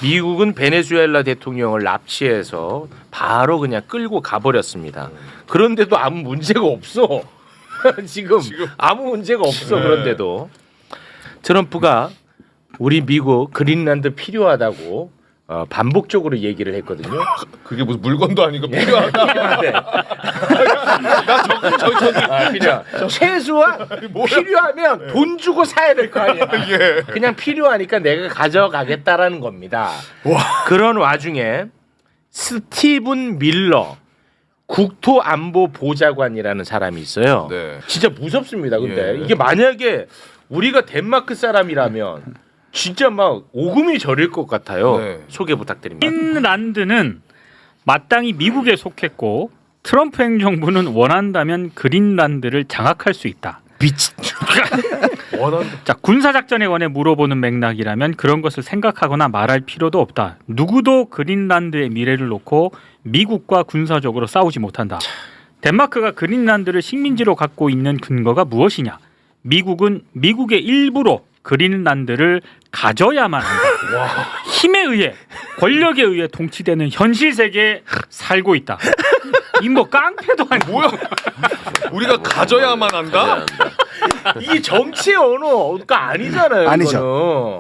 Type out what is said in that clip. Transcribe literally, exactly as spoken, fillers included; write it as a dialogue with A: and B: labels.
A: 미국은 베네수엘라 대통령을 납치해서 바로 그냥 끌고 가버렸습니다. 그런데도 아무 문제가 없어. 지금,
B: 지금.
A: 아무 문제가 없어.
B: 네.
A: 그런데도 트럼프가 우리 미국 그린란드 필요하다고 어, 반복적으로 얘기를 했거든요.
B: 그게 무슨 물건도 아니고 필요하다.
A: 네.
B: 나 저거 저거 저거.
A: 아, 필요. 최소한 필요하면 돈 주고 사야 될 거 아니야.
B: 예.
A: 그냥 필요하니까 내가 가져가겠다라는 겁니다. 그런 와중에 스티븐 밀러 국토안보보좌관이라는 사람이 있어요.
B: 네.
A: 진짜 무섭습니다. 근데
B: 예.
A: 이게 만약에 우리가 덴마크 사람이라면 진짜 막 오금이 저릴 것 같아요.
B: 네.
A: 소개 부탁드립니다.
C: 그린란드는 마땅히 미국에 속했고 트럼프 행정부는 원한다면 그린란드를 장악할 수 있다.
A: 미친.
B: 원한.
C: 자, 군사작전에 관해 물어보는 맥락이라면 그런 것을 생각하거나 말할 필요도 없다. 누구도 그린란드의 미래를 놓고 미국과 군사적으로 싸우지 못한다. 덴마크가 그린란드를 식민지로 갖고 있는 근거가 무엇이냐? 미국은 미국의 일부로 그린란드를 가져야만 한다. 힘에 의해, 권력에 의해 통치되는 현실 세계에 살고 있다. 이 뭐 깡패도 아니고
B: 뭐야? 우리가 가져야만 한다?
A: 이게 정치 언어가 아니잖아요.
D: 아니죠.
A: 이거는.